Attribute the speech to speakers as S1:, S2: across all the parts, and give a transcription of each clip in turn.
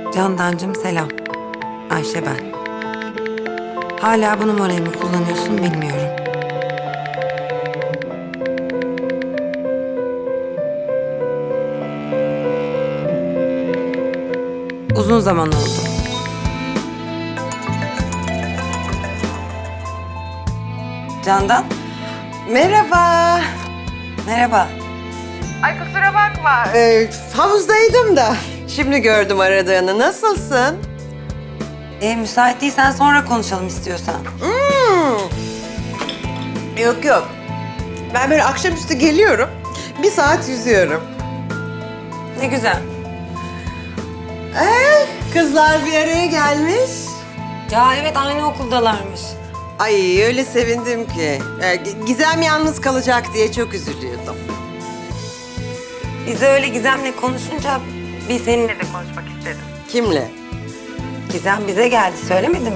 S1: Candancığım selam. Ayşe ben. Hala bu numarayı mı kullanıyorsun bilmiyorum. Uzun zaman oldu. Candan.
S2: Merhaba.
S1: Merhaba.
S2: Ay kusura bakma. Havuzdaydım da. Şimdi gördüm aradığını. Nasılsın?
S1: Müsait değilsen sonra konuşalım istiyorsan.
S2: Yok yok. Ben böyle akşamüstü geliyorum. Bir saat yüzüyorum.
S1: Ne güzel.
S2: Kızlar bir araya gelmiş.
S1: Ya evet aynı okuldalarmış.
S2: Ay öyle sevindim ki. Gizem yalnız kalacak diye çok üzülüyordum.
S1: Biz de öyle Gizem'le konuşunca bir seninle de konuşmak istedim.
S2: Kimle?
S1: Gizem bize geldi söylemedi mi?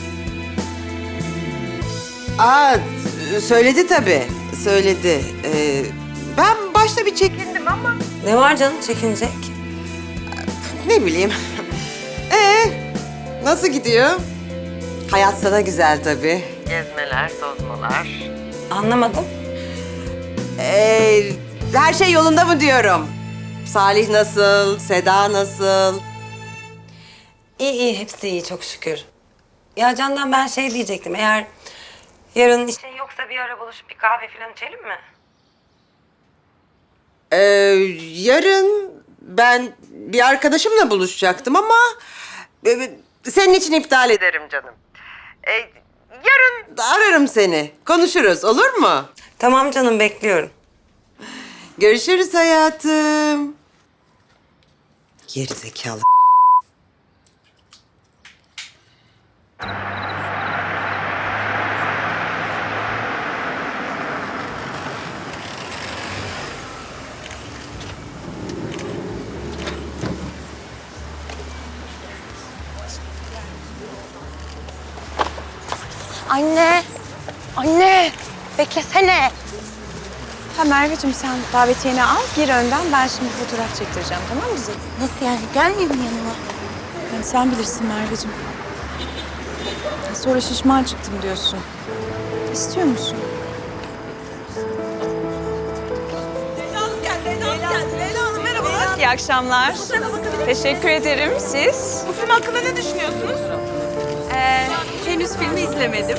S2: Aa, söyledi tabii. Söyledi. Ben başta bir çekindim ama
S1: Ne var canım çekinecek?
S2: ne bileyim. Nasıl gidiyor? Hayat sana güzel tabii. Gezmeler, tozmalar.
S1: Anlamadım.
S2: Her şey yolunda mı diyorum? Salih nasıl? Seda nasıl?
S1: İyi iyi hepsi iyi çok şükür. Ya Candan ben şey diyecektim eğer yarın işin yoksa bir ara buluşup bir kahve falan içelim mi?
S2: Yarın ben bir arkadaşımla buluşacaktım ama senin için iptal ederim canım. Yarın ararım seni. Konuşuruz olur mu?
S1: Tamam canım bekliyorum.
S2: Görüşürüz hayatım. Gerizekalı.
S3: Anne! Anne! Beklesene!
S4: Ha Merveciğim sen davetiyeni al, gir önden. Ben şimdi fotoğraf çektireceğim, tamam mı güzelim?
S3: Nasıl yani? Gelmeyeyim mi yanıma?
S4: Yani sen bilirsin Merveciğim. Sonra şişman çıktım diyorsun. İstiyor musun? İyi akşamlar. Teşekkür ederim. Siz?
S5: Bu film hakkında ne düşünüyorsunuz?
S4: Henüz filmi izlemedim.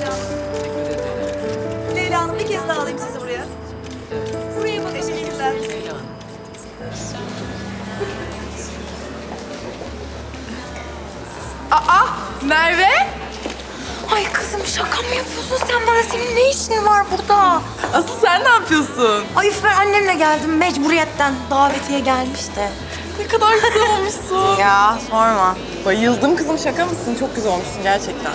S5: Leyla Hanım bir kez daha alayım sizi buraya. Buraya bakın. Teşekkürler.
S4: Merve?
S3: Ay kızım şaka mı yapıyorsun sen bana? Senin ne işin var burada?
S5: Asıl sen ne yapıyorsun?
S3: Ay üf ben annemle geldim mecburiyetten. Davetiye gelmiş de.
S5: Ne kadar güzel olmuşsun.
S3: Ya sorma.
S5: Bayıldım kızım, şaka mısın? Çok güzel olmuşsun gerçekten.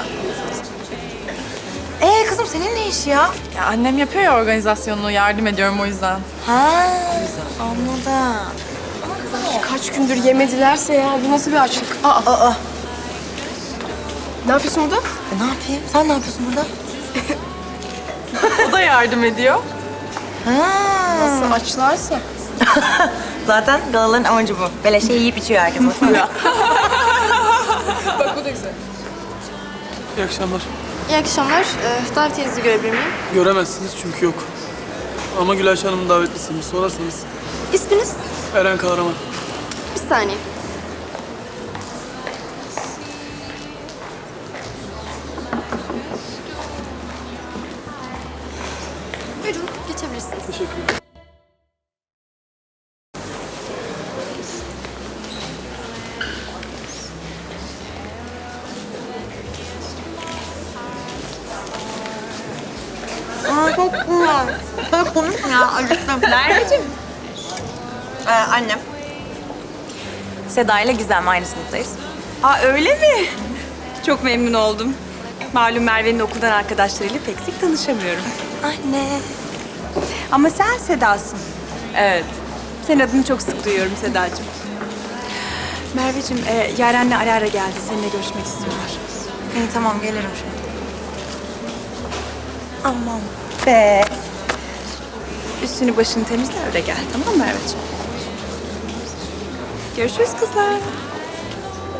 S3: Kızım senin ne işi ya?
S5: Ya annem yapıyor ya organizasyonunu, yardım ediyorum o yüzden.
S3: Ha anladım.
S4: Kaç gündür yemedilerse ya. Bu nasıl bir açlık? Ne yapıyorsun burada?
S3: Ne yapayım? Sen ne yapıyorsun burada?
S5: O da yardım ediyor.
S4: Nasıl açlarsa?
S3: Zaten galaların amacı bu. Böyle şey yiyip içiyor herkes. Baksana.
S4: Bak bu da güzel.
S6: İyi akşamlar.
S7: İyi akşamlar. Davetiyenizi görebilir miyim?
S6: Göremezsiniz çünkü yok. Ama Gülayşe Hanım'ın davetlisiymiş. Sorarsanız
S7: İsminiz?
S6: Eren Kahraman.
S7: Bir saniye. Buyurun, geçebilirsiniz.
S6: Teşekkürler.
S3: Çok komik ya acıktım.
S4: Merveciğim.
S3: Annem.
S4: Seda ile Gizem aynı sınıftayız. Aa öyle mi? Çok memnun oldum. Malum Merve'nin okuldan arkadaşlarıyla pek sık tanışamıyorum.
S3: Anne.
S4: Ama sen Seda'sın. Evet. Senin adını çok sık duyuyorum Sedacığım. Merveciğim, Yaren'le ara ara geldi. Seninle görüşmek istiyorlar.
S3: İyi tamam gelirim şimdi. Aman be.
S4: Üstünü başını temizle öyle gel. Tamam mı Merveciğim? Görüşürüz kızlar.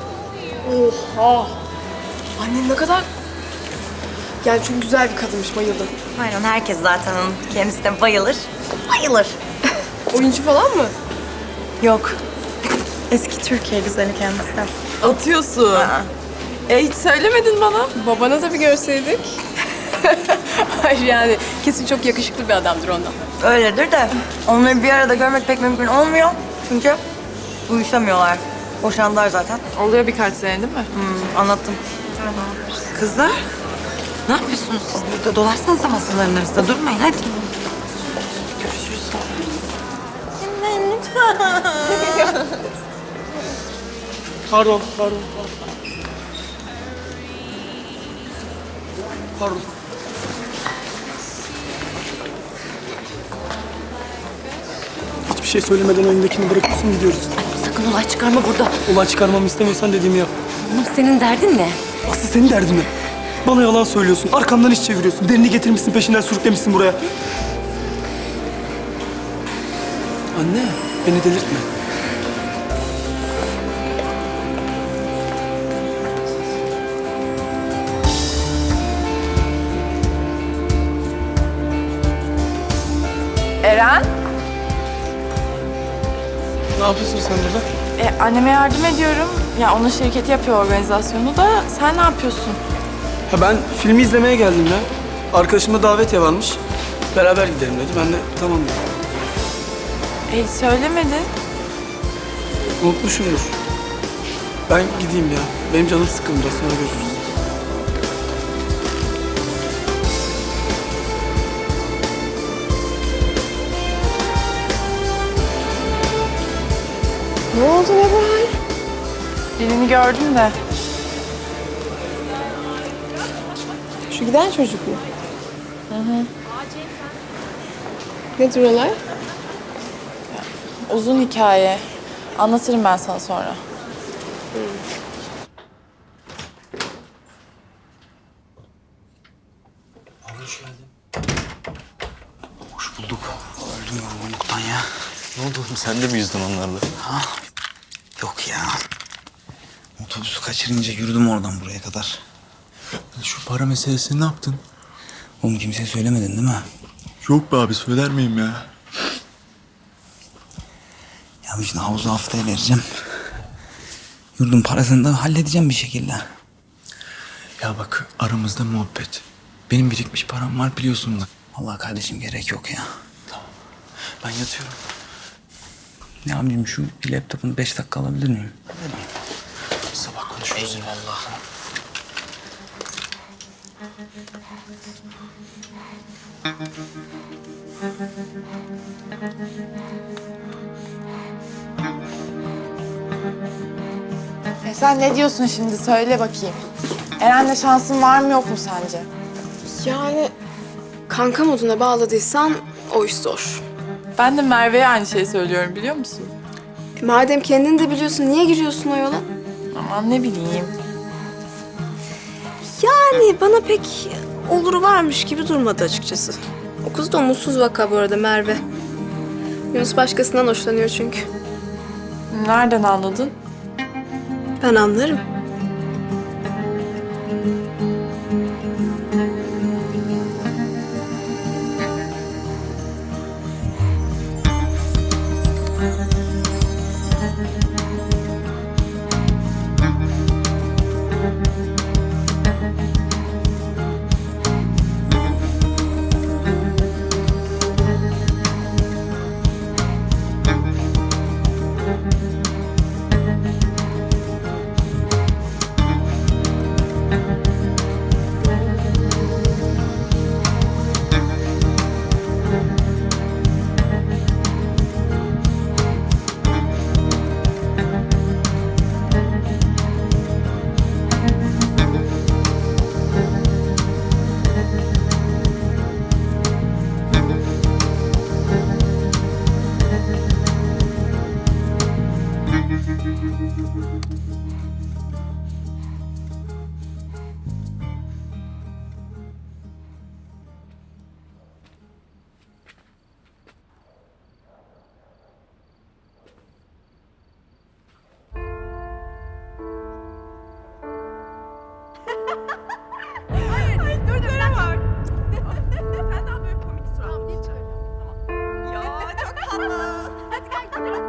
S8: Oha! Annen ne kadar... Yani çok güzel bir kadınmış, bayıldım.
S5: Aynen herkes zaten onun kendisine bayılır. Bayılır.
S8: Oyuncu falan mı?
S4: Yok. Eski Türkiye güzeli kendisi.
S8: Atıyorsun. Hiç söylemedin bana. Babana da bir görseydik. Hayır yani kesin çok yakışıklı bir adamdır ondan.
S5: Öyledir de onları bir arada görmek pek mümkün olmuyor. Çünkü uyuşamıyorlar. Boşandılar zaten.
S8: Oluyor birkaç sene değil mi?
S5: Anlattım.
S1: Kızlar, ne yapıyorsunuz siz burada? Dolarsanıza masaların arasında. Durmayın hadi.
S6: Pardon. Pardon. Hiçbir şey söylemeden önündekini bırakıyorsun gidiyoruz.
S1: Sakın olay çıkarma burada.
S6: Olay çıkarmamı istemiyorsan dediğimi yap.
S1: Oğlum senin derdin ne?
S6: Asıl senin derdin ne? Bana yalan söylüyorsun, arkamdan iş çeviriyorsun. Derini getirmişsin, peşinden sürüklemişsin buraya. Anne, beni delirtme.
S4: Eren,
S6: Ne yapıyorsun sen burada?
S4: anneme yardım ediyorum. Ya onun şirketi yapıyor organizasyonu da. Sen ne yapıyorsun?
S6: Ha ben filmi izlemeye geldim ya. Arkadaşımda davetiye varmış. Beraber gidelim dedi. Ben de tamam dedim.
S4: Hiç söylemedin.
S6: Unutmuşumdur. Ben gideyim ya. Benim canım sıkkın biraz. Sonra görüşürüz.
S8: Ne oldu ne bu hal?
S4: Birini gördüm de.
S8: Şu giden çocuk mu? Nedir olay?
S4: Uzun hikaye. Anlatırım ben sana sonra.
S9: Hoş bulduk. Öldüm yorgunluktan ya.
S10: Ne oldu oğlum? Sen de mi yüzdün onlarla?
S9: Ha? Yok ya. Otobüsü kaçırınca yürüdüm oradan buraya kadar.
S10: Şu para meselesini ne yaptın?
S9: Oğlum kimseye söylemedin değil mi?
S10: Yok be abi, söyler miyim ya?
S9: Ya şimdi havuzu haftaya vereceğim. Yurdun parasını da halledeceğim bir şekilde.
S10: Ya bak, aramızda muhabbet. Benim birikmiş param var biliyorsun da.
S9: Allah kardeşim gerek yok ya.
S10: Ben yatıyorum.
S9: Ya abicim şu laptopunu 5 dakika alabilir miyim?
S10: Sabah konuşuruz.
S9: Eyvallah.
S4: Sen ne diyorsun şimdi? Söyle bakayım. Eren'le şansın var mı yok mu sence?
S8: Yani kanka moduna bağladıysan o iş zor.
S4: Ben de Merve'ye aynı şeyi söylüyorum biliyor musun?
S8: Madem kendin de biliyorsun niye giriyorsun o yola?
S4: Aman ne bileyim.
S5: Yani bana pek oluru varmış gibi durmadı açıkçası.
S8: O kız da umutsuz vaka bu arada Merve. Yunus başkasından hoşlanıyor çünkü.
S4: Nereden anladın?
S8: Ben anlarım.
S3: bırak.